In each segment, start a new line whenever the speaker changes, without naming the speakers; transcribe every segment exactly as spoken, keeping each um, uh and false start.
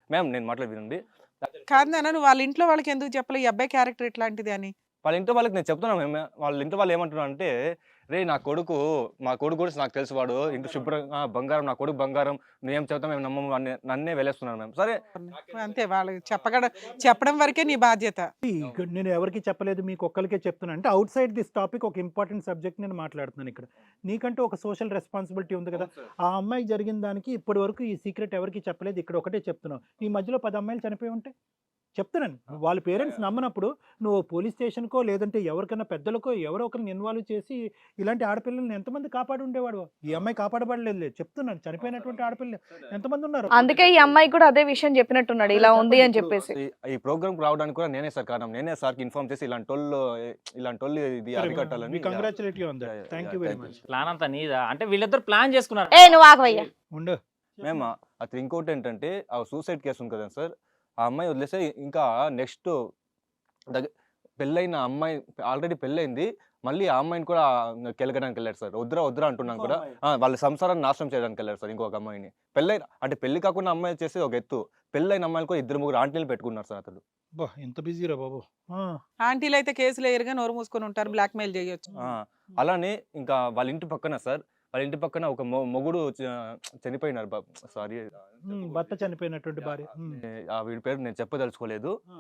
Ma'am నేను మాట్లాడి వినండి.
కాదు నాన్న, నువ్వు వాళ్ళ ఇంట్లో వాళ్ళకి ఎందుకు చెప్పలే ఈ అబ్బాయి క్యారెక్టర్ ఇట్లాంటిది అని?
వాళ్ళ ఇంట్లో వాళ్ళకి నేను చెప్తున్నా మ్యామ్. వాళ్ళ ఇంట్లో వాళ్ళు ఏమంటున్నారంటే, "రేయ్ నా కొడుకు మా కొడుకు గురించి నాకు తెలుసు వాడు ఇంట్లో శుభ్రంగా బంగారం నా కొడుకు బంగారం నువ్వేం చెప్తావు మేము నమ్మము" అని నన్నే వెలేస్తున్నారు మ్యామ్. సరే
అంతే, వాళ్ళకి చెప్పగడ చెప్పడం వరకే నీ బాధ్యత.
ఇక్కడ నేను ఎవరికి చెప్పలేదు, మీకు ఒక్కరికే చెప్తున్నాను. అంటే అవుట్ సైడ్ దిస్ టాపిక్ ఒక ఇంపార్టెంట్ సబ్జెక్ట్ నేను మాట్లాడుతున్నాను ఇక్కడ. నీకంటూ ఒక సోషల్ రెస్పాన్సిబిలిటీ ఉంది కదా. ఆ అమ్మాయికి జరిగిన దానికి ఇప్పటి వరకు ఈ సీక్రెట్ ఎవరికి చెప్పలేదు, ఇక్కడ ఒకటే చెప్తున్నావు. ఈ మధ్యలో పది అమ్మాయిలు చనిపోయి ఉంటే చెప్తున్నాను. వాళ్ళ పేరెంట్స్ నమ్మనప్పుడు నువ్వు పోలీస్ స్టేషన్కో లేదంటే ఎవరికైనా పెద్దలకో ఎవరో ఒకరిని ఇన్వాల్వ్ చేసి ఇలాంటి ఆడపిల్లల్ని ఎంతమంది కాపాడి ఉండేవాడు. ఈ అమ్మాయి కాపాడబడలేదు లేదు చెప్తున్నాను. చనిపోయినటువంటి ఆడపిల్లలు ఎంతమంది ఉన్నారు.
అందుకే ఈ అమ్మాయి కూడా అదే విషయం చెప్పినట్టున్నాడు, ఇలా ఉంది అని చెప్పేసి.
ఈ- ఈ ప్రోగ్రామ్ రావడానికి కూడా నేనే సార్ కారణం. నేనే సార్కి ఇన్ఫార్మ్ చేసి ఇలాంటి వాళ్ళు ఇలాంటి వాళ్ళు ఇది అరికట్టాలని.
Congratulate you on that. Thank you very much.
Plan అంతా నీదా అంటే వీళ్ళిద్దరు ప్లాన్ చేసుకున్నారు.
ఏ నువ్వు ఆగవయ్యా.
ఉండు.
మేము అతను ఇంకోటి ఏంటంటే ఆ సూసైడ్ కేసు ఉంది కదా సార్, ఆ అమ్మాయి వదిలేస్తే ఇంకా నెక్స్ట్ దగ్గర పెళ్ళైన అమ్మాయి ఆల్రెడీ పెళ్ళైంది, మళ్ళీ ఆ అమ్మాయిని కూడా కెలకడానికి వెళ్ళారు సార్. వద్దురా వద్దురా అంటున్నాను కూడా. ఆ, వాళ్ళ సంసారాన్ని నాశనం చేయడానికి వెళ్ళారు సార్ ఇంకొక అమ్మాయిని. పెళ్ళైన అంటే పెళ్లి కాకుండా అమ్మాయి చేసేది ఒక ఎత్తు, పెళ్ళైన అమ్మాయిలు కూడా ఇద్దరు ముగ్గురు ఆంటీలు పెట్టుకున్నారు సార్ అతడు.
బా ఎంత బిజీరా బాబు. ఆ,
ఆంటీలు అయితే కేసులు ఎదురుగా నోరు మూసుకొని ఉంటారు, బ్లాక్ మెయిల్ చేయొచ్చు.
ఆ, అలానే ఇంకా వాళ్ళ ఇంటి పక్కన సార్ వాళ్ళ ఇంటి పక్కన ఒక మొ- మొగుడు చ- చనిపోయినారు బాబు. సారీ
ఉమ్, భర్త చనిపోయినటువంటి భార్య. ఉమ్.
ఆ వీడి పేరు నేను చెప్పదలుచుకోలేదు.
ఆ.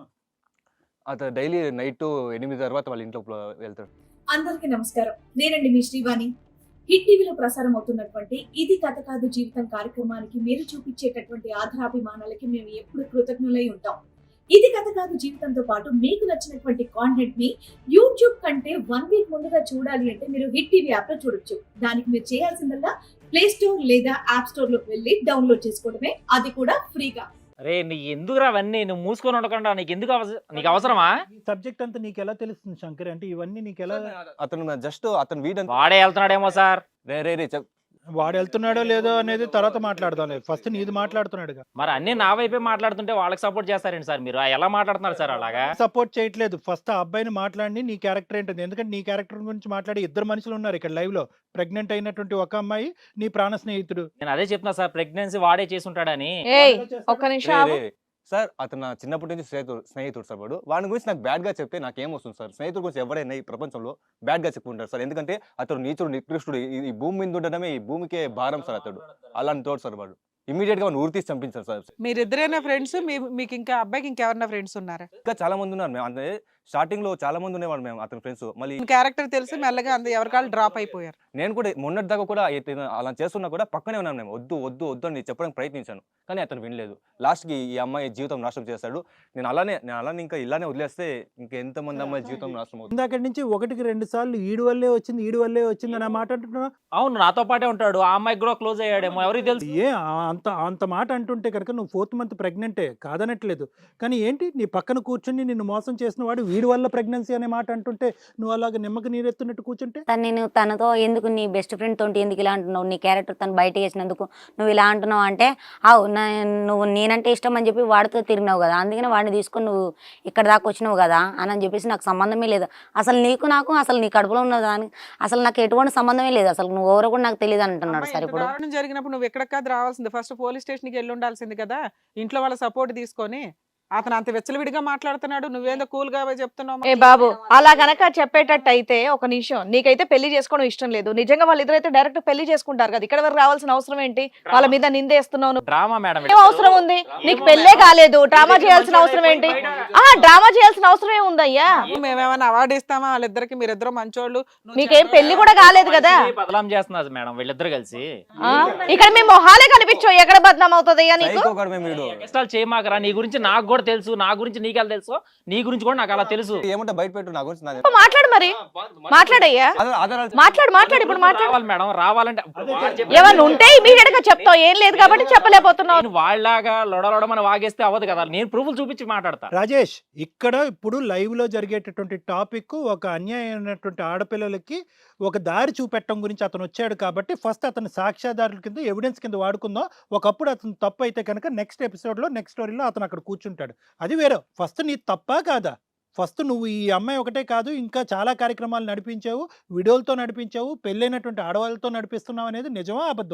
అతను డైలీ నైట్ ఎనిమిది తర్వాత వాళ్ళ ఇంట్లో వెళ్తాడు.
అందరికీ నమస్కారం. నేనండి మీ శ్రీవాణి. హిట్ టీవీలో ప్రసారం అవుతున్నటువంటి ఇది కథ కాదు జీవితం కార్యక్రమానికి మీరు చూపించేటటువంటి ఆధారాభిమానాలకి మేము ఎప్పుడు కృతజ్ఞులై ఉంటాం. ఇది కథ కాదు జీవితంతో పాటు మీకు నచ్చినటువంటి కాంటెంట్ ని యూట్యూబ్ కంటే వన్ వీక్ ముందుగా చూడాలి అంటే మీరు హిట్ టీవీ యాప్ లో చూడొచ్చు. దానికి మీరు చేయాల్సిందల్లా ప్లే స్టోర్ లేదా యాప్ స్టోర్ లోకి వెళ్ళి డౌన్లోడ్ చేసుకోవడమే, అది కూడా ఫ్రీగా.
అరే నీ ఎందుకురా అవన్నీ నువ్వు మూసుకొని ఉండకుండా నీకు ఎందుకు అవస- నీకు అవసరమా?
ఈ సబ్జెక్ట్ అంతా నీకు ఎలా తెలుస్తుంది శంకర్? అంటే ఇవన్నీ నీకు ఎలా?
అతను జస్ట్ అతను వీడంతా
వాడే వెళ్తున్నాడేమో సార్.
రే రే రే చెప్
వాడు వెళ్తున్నాడో లేదో అనేది తర్వాత మాట్లాడదాం. ఫస్ట్ నీది మాట్లాడుతున్నాడుగా.
మరి అన్ని నా వైపే మాట్లాడుతుంటే వాళ్ళకి సపోర్ట్ చేస్తారండి సార్ మీరు? ఆ ఎలా మాట్లాడుతున్నారు సార్ అలాగా?
సపోర్ట్ చేయట్లేదు. ఫస్ట్ ఆ అబ్బాయిని మాట్లాడి నీ క్యారెక్టర్ ఏంటది. ఎందుకంటే నీ క్యారెక్టర్ గురించి మాట్లాడి ఇద్దరు మనుషులు ఉన్నారు ఇక్కడ లైవ్ లో. ప్రెగ్నెంట్ అయినటువంటి ఒక అమ్మాయి నీ ప్రాణ స్నేహితుడు.
నేను అదే చెప్తున్నా సార్, ప్రెగ్నెన్సీ వాడే చేసి ఉంటాడని.
ఏయ్ ఒక్క నిమిషం
రే
ఆగు.
రే సార్ అతను నా చిన్నప్పటి నుంచి స్నేహితుడు స్నేహితుడు సార్. వాడు వాడి గురించి నాకు బ్యాడ్ గా చెప్తే నాకేం వస్తుంది సార్? స్నేహితుడు గురించి ఎవరైనా ఈ ప్రపంచంలో బ్యాడ్ గా చెప్పుకుంటారు సార్. ఎందుకంటే అతను నీచుడు నికృష్టుడు, ఈ- ఈ భూమి మీద ఉండడమే ఈ భూమికే భారం సార్ అతడు. అలాంటి తోడు సార్ వాడు. ఇమీడియట్ గా వాడిని ఊరి తీసి చంపించారు సార్.
మీరిద్దరైనా ఫ్రెండ్స్? మీకు ఇంకా అబ్బాయికి ఇంకెవరన్నా ఫ్రెండ్స్ ఉన్నారా?
ఇంకా చాలా మంది ఉన్నారు మేము. అంటే స్టార్టింగ్ లో చాలా మంది ఉండేవాడు మేము అతని ఫ్రెండ్స్. మళ్ళీ
క్యారెక్టర్ తెలిసి మెల్లగా అంత ఎవరికాళ్ళు డ్రాప్ అయిపోయారు.
నేను కూడా మొన్నటి దాకా కూడా ఇతను అలా చేస్తున్నా కూడా పక్కనే ఉన్నాను మేము. వద్దు వద్దు వద్దు అని చెప్పడానికి ప్రయత్నించాను, కానీ అతను వినలేదు. లాస్ట్కి ఈ అమ్మాయి జీవితం నాశనం చేస్తాడు. నేను అలానే నేను అలానే ఇంకా ఇలానే వదిలేస్తే ఇంకా ఎంతమంది అమ్మాయి జీవితం నాశనం అవుతుంది.
ఇందాక నుంచి ఒకటికి రెండు సార్లు ఈడు వల్లే వచ్చింది ఈడు వల్లే వచ్చింది అని మాట అంటున్నా.
అవును నాతో పాటే ఉంటాడు, ఆ అమ్మాయికి కూడా క్లోజ్ అయ్యాడేమో ఎవరికి తెలుసు.
ఏ ఆ- అంత అంత మాట అంటుంటే కనుక నువ్వు ఫోర్త్ మంత్ ప్రెగ్నెంటే కాదనట్లేదు, కానీ ఏంటి నీ పక్కన కూర్చుని నిన్ను మోసం చేసిన వాడు వీడి వల్ల ప్రెగ్నెన్సీ అనే మాట అంటుంటే నువ్వు అలాగ నిమ్మకి నీరెత్తున్నట్టు కూర్చుంటే?
తను నేను తనతో ఎందుకు నీ బెస్ట్ ఫ్రెండ్ తోటి ఎందుకు ఇలా అంటున్నావు, నీ క్యారెక్టర్ తను బయట వేసినందుకు నువ్వు ఇలా అంటున్నావు అంటే, అవు నువ్వు నేనంటే ఇష్టం అని చెప్పి వాడితో తిరిగినావు కదా, అందుకని వాడిని తీసుకొని నువ్వు ఇక్కడ దాకా వచ్చినావు కదా అని చెప్పేసి నాకు సంబంధమే లేదు అసలు. నీకు నాకు అసలు నీ కడుపులో ఉన్న దానికి అసలు నాకు ఎటువంటి సంబంధమే లేదు అసలు. నువ్వు ఎవరో కూడా నాకు తెలియదు అంటున్నాడు
అమ్మాయి
సార్.
ఇంత
ఇప్పుడు
దారుణం జరిగినప్పుడు నువ్వు ఎక్కడికి కాదు రావాల్సింది, ఫస్ట్ పోలీస్ స్టేషన్కి వెళ్ళి ఉండాల్సింది కదా. ఇంట్లో వాళ్ళ సపోర్ట్ తీసుకొని. అతను అంత వెచ్చలవిడిగా మాట్లాడుతున్నాడు, నువ్వేందో కూల్ గా చెప్తున్నావు.
ఏ బాబు అలా గనక చెప్పేటట్టు అయితే ఒక నిమిషం, నీకైతే పెళ్లి చేసుకోవడం ఇష్టం లేదు, నిజంగా వాళ్ళిద్దరైతే డైరెక్ట్ పెళ్లి చేసుకుంటారు కదా, ఇక్కడ వరకు రావాల్సిన అవసరం ఏంటి? వాళ్ళ మీద నిందేస్తున్నావు నువ్వు.
Drama madam.
ఏం అవసరం ఉంది? నీకు పెళ్ళే కాలేదు, డ్రామా చేయాల్సిన అవసరం ఏంటి? ఆ డ్రామా చేయాల్సిన అవసరం ఏముందయ్యా?
మేమేమైనా అవార్డు ఇస్తామా వాళ్ళిద్దరికి? మీరిద్దరు మంచోళ్ళు. నువ్వు
మీకేం పెళ్లి కూడా కాలేదు కదా.
బదలాం చేస్తున్నారు మేడం వీళ్ళిద్దరు కలిసి.
ఆ? ఇక్కడ మీ మొహాలే కనిపించవు, ఎక్కడ బద్నాం అవుతుందయ్యా నీకు?
సైకో గాడు మేము వీడు.
ఎక్స్ట్రాల్ చేయమాకరా. నీ గురించి నాకు కూడా తెలుసు, నా గురించి నీకెలా తెలుసు, నీ గురించి కూడా నాకు అలా తెలుసు.
ఏమంటే బయట పెట్టు నా గురించి నాకు
మాట్లాడు మరి, మాట్లాడయ్యా,
ఆధార- ఆధారాలు
మాట్లాడు మాట్లాడు ఇప్పుడు మాట్లాడు.
రావాలి మేడం, రావాలంటే
ఏమన్నా ఉంటే ఇమీడియట్ గా చెప్తావు, ఏం లేదు కాబట్టి చెప్పలేకపోతున్నావు.
నేను వాళ్ళలాగా లొడలొడమని వాగేస్తే అవ్వదు కదా, నేను ప్రూఫ్లు చూపించి మాట్లాడతా.
రాజేష్, ఇక్కడ ఇప్పుడు లైవ్ లో జరిగేటటువంటి టాపిక్ ఒక అన్యాయమైనటువంటి ఆడపిల్లలకి ఒక దారి చూపెట్టడం గురించి అతను వచ్చాడు కాబట్టి ఫస్ట్ అతను సాక్ష్యాధారుల కింద ఎవిడెన్స్ కింద వాడుకుందాం. ఒకప్పుడు అతను తప్పు అయితే కనుక నెక్స్ట్ ఎపిసోడ్ లో నెక్స్ట్ స్టోరీలో అతను అక్కడ కూర్చుంటాడు. అది వేరే. ఫస్ట్ నీ తప్పా కాదా? ఫస్ట్ నువ్వు ఈ అమ్మాయి ఒకటే కాదు ఇంకా చాలా కార్యక్రమాలు నడిపించావు, వీడియోలతో నడిపించావు, పెళ్ళైనటువంటి ఆడవాళ్ళతో నడిపిస్తున్నావు అనేది నిజమా అబద్ధమా?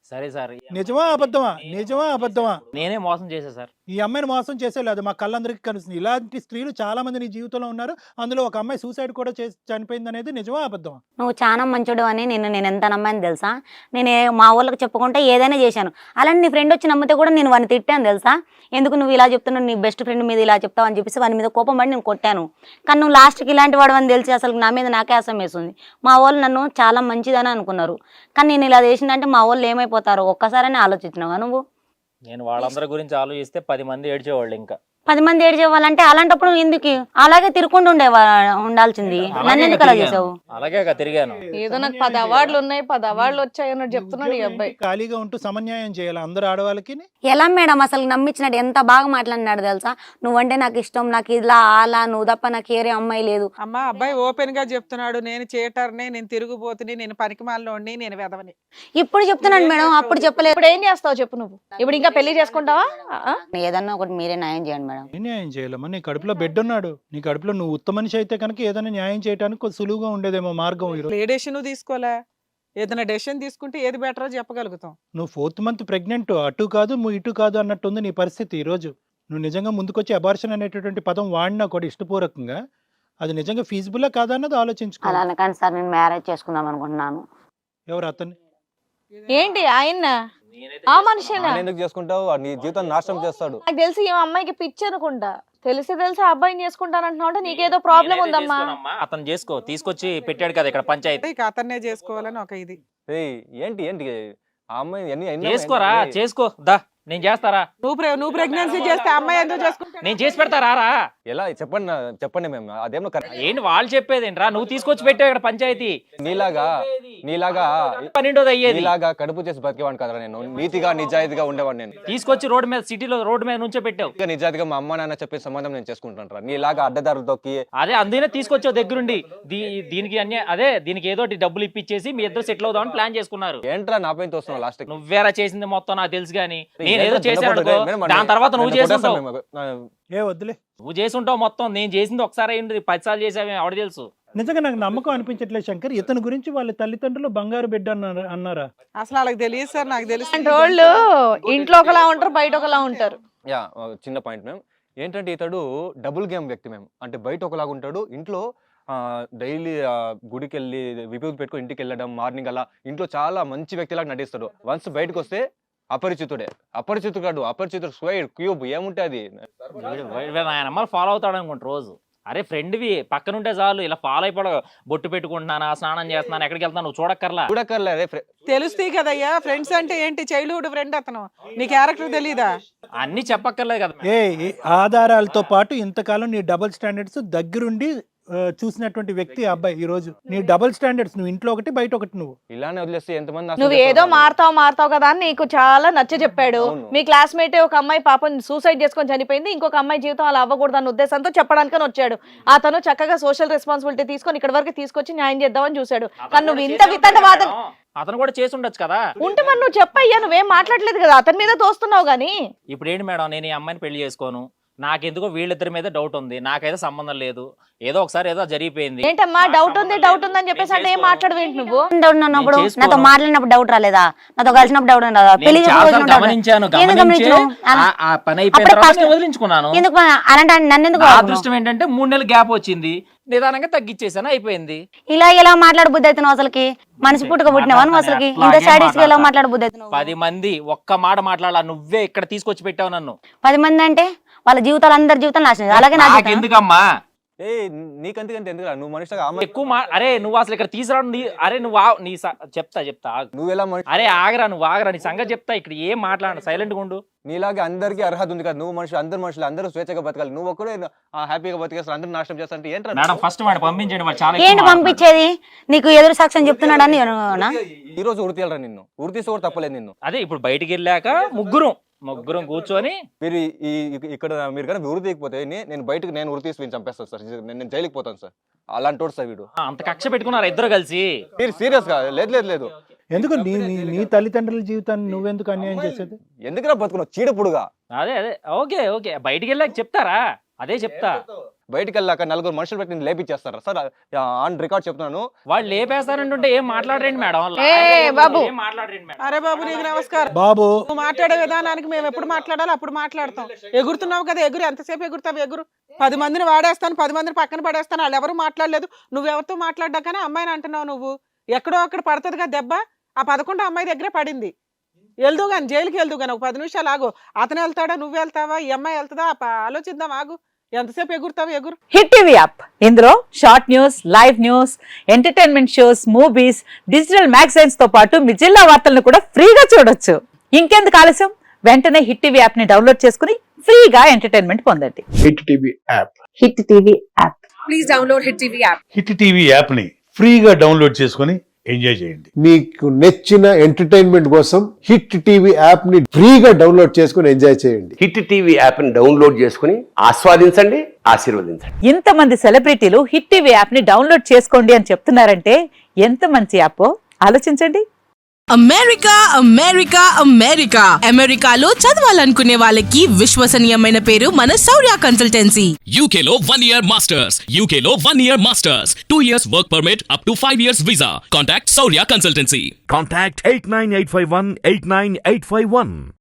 సరే సార్
నిజమా అబద్ధమా నిజమా అబద్ధమా
నేనే మోసం చేశా సార్.
ఈ అమ్మాయిని మోసం చేసేలేదు మా కళ్ళందరికీ కనిపిస్తుంది. ఇలాంటి స్త్రీలు చాలా మంది నీ జీవితంలో ఉన్నారు. అందులో ఒక అమ్మాయి సూసైడ్ కూడా చేసి చనిపోయింది అనేది నిజమా అబద్ధమా?
నువ్వు చాలా మంచోడు అని నిన్ను నేను ఎంత నమ్మాను తెలుసా? నేను ఏ- మా వాళ్ళకి చెప్పుకుంటే ఏదైనా చేశాను. అలానే నీ ఫ్రెండ్ వచ్చి నమ్మితే కూడా నేను వాడిని తిట్టాను తెలుసా? ఎందుకు నువ్వు ఇలా చెప్తున్నావు, నీ బెస్ట్ ఫ్రెండ్ మీద ఇలా చెప్తావు అని చెప్పేసి వాని మీద కోపం పడి నేను కొట్టాను. కానీ నువ్వు లాస్ట్కి ఇలాంటి వాడు అని తెలిసి అసలు నా మీద నాకే అసం వేస్తుంది. మా వాళ్ళు నన్ను చాలా మంచిదని అనుకున్నారు, కానీ నేను ఇలా చేసిందంటే మా వాళ్ళు ఏమైపోతారో ఒక్కసారైనా ఆలోచించినావా నువ్వు?
నేను వాళ్ళందరి గురించి ఆలోచిస్తే పది మంది ఏడ్చేవాళ్ళు. ఇంకా
పది మంది ఏడ్చేవాళ్ళంటే అలాంటప్పుడు నువ్వు ఎందుకు అలాగే తిరుక్కుంటూ ఉండేవా ఉండాల్సింది? నన్ను ఎందుకు అలా చేసావు?
అలాగే ఇక తిరిగాను.
ఏదో నాకు పది అవార్డులు ఉన్నాయి, పది అవార్డులు వచ్చాయి అన్నట్టు చెప్తున్నాడు ఈ అబ్బాయి.
ఖాళీగా ఉంటూ సమన్యాయం చేయాలి అందరు ఆడవాళ్ళకి.
ఎలా మేడం అసలు నమ్మించినట్టు ఎంత బాగా మాట్లాడినాడు తెలుసా? నువ్వంటే నాకు ఇష్టం, నాకు ఇలా అలా, నువ్వు తప్ప నాకు ఏరే అమ్మాయి లేదు.
అమ్మా అబ్బాయి ఓపెన్ గా చెప్తున్నాడు, నేను చేటర్ని, నేను తిరుగుబోతుని, నేను పనికిమాలినోడిని, నేను వెదవని.
ఇప్పుడు చెప్తున్నాను మేడం, అప్పుడు చెప్పలేదు.
ఇప్పుడు ఏం చేస్తావు చెప్పు నువ్వు? ఇప్పుడు ఇంకా పెళ్లి చేసుకుంటావా? ఆ?
ఏదన్నా ఒకటి మీరే న్యాయం చేయండి మేడం.
ఏ న్యాయం చేయాలమ్మా? నీ కడుపులో బిడ్డ ఉన్నాడు. నీ కడుపులో నువ్వు ఉత్తమ మనిషి అయితే కనుక ఏదైనా న్యాయం చేయడానికి కొంచెం సులువుగా ఉండేదేమో మార్గం. ఈరోజు
ఏ డెసిషన్ తీసుకోలే, ఏదైనా డెసిషన్ తీసుకుంటే ఏది బెటరో చెప్పగలుగుతాం.
నువ్వు ఫోర్త్ మంత్ ప్రెగ్నెంట్, అటు కాదు నువ్వు ఇటు కాదు అన్నట్టుంది నీ పరిస్థితి. ఈరోజు నువ్వు నిజంగా ముందుకొచ్చి అబార్షన్ అనేటటువంటి పదం వాడినా కూడా ఇష్టపూర్వకంగా అది నిజంగా ఫీజిబుల్లా కాదా అన్నది ఆలోచించుకో.
అలా అనకండి సార్, నేను మ్యారేజ్ చేసుకుందాం అనుకుంటున్నాను.
ఎవరు అతన్ని?
ఏంటి ఆయన ఆ మనిషినా?
ఆయన ఎందుకు చేసుకుంటావు? వాడు నీ జీవితం నాశనం చేస్తాడు.
నాకు తెలిసి ఈ అమ్మాయికి పిచ్చి అనుకుంటా. తెలిసి తెలిసి ఆ అబ్బాయిని చేసుకుంటానంటున్నావు అంటే నీకేదో ప్రాబ్లం
నేనైతే
ఉందమ్మా.
చేసుకోనమ్మా. అతను చేసుకో, తీసుకొచ్చి పెట్టాడు కదా ఇక్కడ పంచాయతీ.
ఇక అతన్నే చేసుకోవాలని ఒక ఇది.
ఏయ్, ఏంటి ఏంటి ఆ అమ్మాయి ఎన్ని ఎన్ని-
చేసుకోరా,
ఏయ్,
చేసుకో దా. నేను చేస్తారా?
నువ్వు ప్రె- నువ్వు ప్రెగ్నెన్సీ చేస్తే అమ్మాయి ఎందుకు చేసుకుంటా?
నేను చేసి పెడతారా రా?
ఎలా చెప్పండి నా- చెప్పండి మేము అదేమో కరెక్ట్.
ఏంటి వాళ్ళు చెప్పేది ఏంట్రా? నువ్వు తీసుకొచ్చి పెట్టావు ఇక్కడ పంచాయతీ.
నీలాగా నీలాగా
పన్నెండోది అయ్యేది.
నీలాగా కడుపు చేసి బతికేవాడిని కదరా నేను. నీతిగా నిజాయితీగా ఉండేవాడిని నేను.
తీసుకొచ్చి రోడ్డు మీద, సిటీలో రోడ్డు మీద నుంచో పెట్టావు.
ఇంకా నిజాయితీగా మా అమ్మ నాన్న చెప్పే సంబంధం నేను చేసుకుంటాను రా. నీలాగా అడ్డదారులు తొక్కి
అదే అందుకనే తీసుకొచ్చావు దగ్గరుండి. దీ- దీనికి అన్ని అదే దీనికి ఏదో ఒకటి డబ్బులు ఇప్పించేసి మీ ఇద్దరు సెటిల్ అవుదామని ప్లాన్ చేసుకున్నారు.
ఏంట్రా నా పైన తోస్తున్నావు లాస్ట్.
నువ్వేరా చేసింది మొత్తం నాకు తెలుసు కానీ నేను ఏదో చేశాను అనుకో, దాని తర్వాత నువ్వు చేసుంటావు.
ఏ వద్దులే.
నువ్వు చేసుంటావు మొత్తం. నేను చేసింది ఒకసారి అయింది, పది సార్లు చేసావే ఎవడ తెలుసు.
నిజంగా నాకు నమ్మకం అనిపించట్లేదు శంకర్. ఇతని గురించి వాళ్ళ తల్లిదండ్రులు బంగారు బిడ్డ అన్నారు అన్నారా?
అసలు వాళ్ళకి తెలియదు సార్, నాకు తెలుసు.
అంటే వాళ్ళు ఇంట్లో ఒకలా ఉంటారు, బయట ఒకలా ఉంటారు.
యా చిన్న పాయింట్ మేము ఏంటంటే ఇతడు డబుల్ గేమ్ వ్యక్తి మేము. అంటే బయట ఒకలాగా ఉంటాడు, ఇంట్లో డైలీ గుడికి వెళ్ళి విభూతి పెట్టుకుని ఇంటికి వెళ్ళడం, మార్నింగ్ అలా ఇంట్లో చాలా మంచి వ్యక్తిలాగా నటిస్తాడు. వన్స్ బయటకు వస్తే అపరిచితుడే. అపరిచితుడు కాదు, అపరిచితుడు స్క్వేర్ క్యూబ్ ఏముంటే అది.
ఆయన అమ్మాయి ఫాలో అవుతాడు అనుకుంటా రోజు. అరే ఫ్రెండ్వి పక్కనుంటే చాలు, ఇలా ఫాలో అయిపోవడం. బొట్టు పెట్టుకుంటున్నానా, స్నానం చేస్తున్నాను, ఎక్కడికి వెళ్తాను నువ్వు చూడక్కర్లా.
చూడక్కర్లే అదే ఫ్రె-
తెలుస్తాయి కదయ్యా, ఫ్రెండ్స్ అంటే ఏంటి, చైల్డ్హుడ్ ఫ్రెండ్ అతను. నీ క్యారెక్టర్ తెలీదా?
అన్ని చెప్పక్కర్లేదు కదా.
ఏ ఏ ఆధారాలతో పాటు ఇంతకాలం నీ డబుల్ స్టాండర్డ్స్ దగ్గరుండి ఆ, చూసినటువంటి వ్యక్తి ఆ అబ్బాయి. ఈ రోజు నీ డబుల్ స్టాండర్డ్స్, నువ్వు ఇంట్లో ఒకటి బయట ఒకటి. నువ్వు
ఇలానే వదిలేస్తే ఎంతమంది నాశనం
నువ్వు
చేస్తారు
ఏదో
వాళ్ళు.
మారుతావు మారుతావు కదా అని నీకు చాలా నచ్చ చెప్పాడు.
అవును.
మీ క్లాస్మేట్ ఒక అమ్మాయి పాపం సూసైడ్ చేసుకొని చనిపోయింది, ఇంకొక అమ్మాయి జీవితం అలా అవ్వకూడదు అన్న ఉద్దేశంతో చెప్పడానికని వచ్చాడు. అతను చక్కగా సోషల్ రెస్పాన్సిబిలిటీ తీసుకొని ఇక్కడ వరకు తీసుకొచ్చి న్యాయం చేద్దామని చూశాడు. కానీ నువ్వు ఇంత వితండ వాదన
అతను కూడా చేసి ఉండొచ్చు కదా.
ఉంటే మరి నువ్వు చెప్పయ్యా, నువ్వేం మాట్లాడలేదు కదా, అతని మీద తోస్తున్నావు గానీ.
ఇప్పుడు ఏంటి మేడం, నేను ఈ అమ్మాయిని పెళ్లి చేసుకోను, నాకెందుకో వీళ్ళిద్దరి మీద డౌట్ ఉంది, నాకైతే సంబంధం లేదు, ఏదో ఒకసారి ఏదో జరిగిపోయింది.
ఏంటమ్మా డౌట్ ఉంది డౌట్ ఉంది అని చెప్పేసి అంటే ఏం మాట్లాడవేంటి నువ్వు?
డౌట్ ఉన్నప్పుడు
నేను చేసుకోను.
నాతో మాట్లాడినప్పుడు డౌట్ రాలేదా? నాతో కలిసినప్పుడు డౌట్ రాలేదా?
నేను
పెళ్లి
చాలా
చేసుకుని doubt
గమనించాను,
రాలేదా? ఎందుకు
గమనించి
గమనించు? అలా-
ఆ- ఆ పని అయిపోయిన
అప్పుడు
తర్వాత
first-
నేను వదిలించుకున్నాను.
ఎందుకు అలాంటి నన్ను ఎందుకు
నా
ఆపుతున్నావు?
అదృష్టం ఏంటంటే మూడు నెలలు గ్యాప్ వచ్చింది, నిదానంగా తగ్గించేసాను, అయిపోయింది.
ఇలా ఎలా మాట్లాడబుద్ధి అవుతున్నావు అసలుకి? మనిషి పుట్టుక పుట్టినావా నువ్వు అసలుకి? ఇంత
అట్లాగే
స్టడీస్ ఎలా
మాట్లాడతా.
మాట్లాడబుద్ధి అవుతున్నావు?
పది మంది ఒక్క మాట మాట్లాడాల, నువ్వే ఇక్కడ తీసుకొచ్చి పెట్టావు నన్ను.
పది మంది అంటే వాళ్ళ జీవితాలు, అందరి జీవితాలు నాశనం చేయాలి. అలాగే నా జీవితం.
నాకెందుకమ్మా
ఏ నీకంతకంటే ఎందుకు నువ్వు మనిషిగా అమ్మ
ఎక్కువ మా అరే నువ్వు అసలు ఇక్కడ తీసుకురావడం నీ- అరే నువ్వు ఆ- నీ స- చెప్తా చెప్తా ఆగు.
నువ్వు ఎలా మనిషి
అరే ఆగరా, నువ్వు ఆగరా, నీ సంగతి చెప్తా. ఇక్కడ ఏం మాట్లాడ, సైలెంట్ గా ఉండు.
నీలాగా అందరికీ అర్హత ఉంది కదా. నువ్వు మనుషులు, అందరు మనుషులు అందరూ స్వేచ్ఛగా బతకాలి. నువ్వు ఒక్కడే హ్యాపీగా బతికేస్తారు, అందరూ నాశనం చేస్తా అంటే ఏంట్రా?
మేడం ఫస్ట్ వాడు పంపించండి, వాడు చాలా
ఏంటి
ఎక్కువ మాట్లాడుతున్నాడు.
పంపించేది? నీకు ఎదురు సాక్ష్యం చెప్తున్నాడని అనుకున్నా?
ఈ రోజు ఉరి తీయాలరా నిన్ను. ఉరి తీసి కూడా తప్పలేదు నిన్ను.
అదే ఇప్పుడు బయటికి వెళ్ళాక ముగ్గురం ముగ్గురం కూర్చొని
మీరు ఈ ఈ- ఇక్కడ మీరు కానీ ఉరి తీయకపోతే నే- నేను బయటకు నేను ఉరి తీసి వీడిని చంపేస్తాను సార్. నేను నేను జైలుకి పోతాను సార్. అలాంటి వాడు సార్ వీడు.
ఆ, అంత కక్ష పెట్టుకున్నారు ఇద్దరు కలిసి.
మీరు సీరియస్ గా? లేదు లేదు లేదు.
ఎందుకు నీ నీ- నీ తల్లిదండ్రుల జీవితాన్ని నువ్వెందుకు అన్యాయం చేసేది?
ఎందుకురా బతుకున్నావు చీడపుడుగా?
అదే అదే ఓకే ఓకే బయటికి వెళ్ళాక చెప్తారా? అదే చెప్తా.
బయటికి వెళ్ళాక నలుగురు మనుషులు పెట్టి నేను లేపిచ్చేస్తారా సార్? ఆన్ రికార్డ్ చెప్తున్నాను.
వాళ్ళు లేపేస్తారంటుంటే ఏం మాట్లాడరండి మేడం.
ఏ బాబు.
ఏం మాట్లాడరండి మేడం.
అరే బాబు నీకు నమస్కారం.
బాబు
నువ్వు మాట్లాడే విధానానికి మేము ఎప్పుడు మాట్లాడాలో అప్పుడు మాట్లాడతాం. ఎగురుతున్నావు కదా, ఎగురు. ఎంతసేపు ఎగురుతావు? ఎగురు. పది మందిని వాడేస్తాను, పది మందిని పక్కన పడేస్తాను. వాళ్ళు ఎవరు మాట్లాడలేదు, నువ్వెవరితో మాట్లాడ్డాకనే అమ్మాయిని అంటున్నావు. నువ్వు ఎక్కడో అక్కడ పడుతుంది కదా దెబ్బ. ఆ పదకొండు అమ్మాయి దగ్గరే పడింది. వెళ్దు కానీ జైలుకి వెళ్దు కానీ ఒక పది నిమిషాలు ఆగు. అతను వెళ్తాడా, నువ్వు వెళ్తావా, ఈ అమ్మాయి వెళ్తుందా, ఆలోచిద్దాం. ఆగు. ఎంతసేపు ఎగురుతావు? ఎగురు.
హిట్ టీవీ యాప్, ఇందులో short news, live news, entertainment shows, movies, digital magazines తో పాటు మీ జిల్లా వార్తలను కూడా ఫ్రీగా చూడొచ్చు. ఇంకెందుకు ఆలస్యం, వెంటనే హిట్ టీవీ యాప్ ని డౌన్లోడ్ చేసుకుని ఫ్రీగా ఎంటర్టైన్మెంట్ పొందండి.
Hit TV app.
Hit TV app.
Please download hit TV app.
Hit TV app ని ఫ్రీగా డౌన్లోడ్ చేసుకొని ఎంజాయ్ చేయండి.
మీకు నచ్చిన ఎంటర్టైన్మెంట్ కోసం హిట్ టీవీ యాప్ ని ఫ్రీగా డౌన్లోడ్ చేసుకొని ఎంజాయ్ చేయండి.
హిట్ టీవీ యాప్ ని డౌన్లోడ్ చేసుకుని ఆస్వాదించండి, ఆశీర్వదించండి.
ఇంతమంది సెలబ్రిటీలు హిట్ టీవీ యాప్ ని డౌన్లోడ్ చేసుకోండి అని చెప్తున్నారంటే ఎంత మంచి యాప్ ఆలోచించండి.
అమెరికా అమెరికా అమెరికా అమెరికాలో చదవాలనుకునే వాళ్ళకి విశ్వసనీయమైన పేరు మన శౌర్య కన్సల్టెన్సీ.
యూకేలో వన్ ఇయర్ మాస్టర్స్. యూకేలో one year masters. Two years work permit up to five years visa. Contact Shaurya consultancy.
Contact eight nine eight five one eight nine eight five one.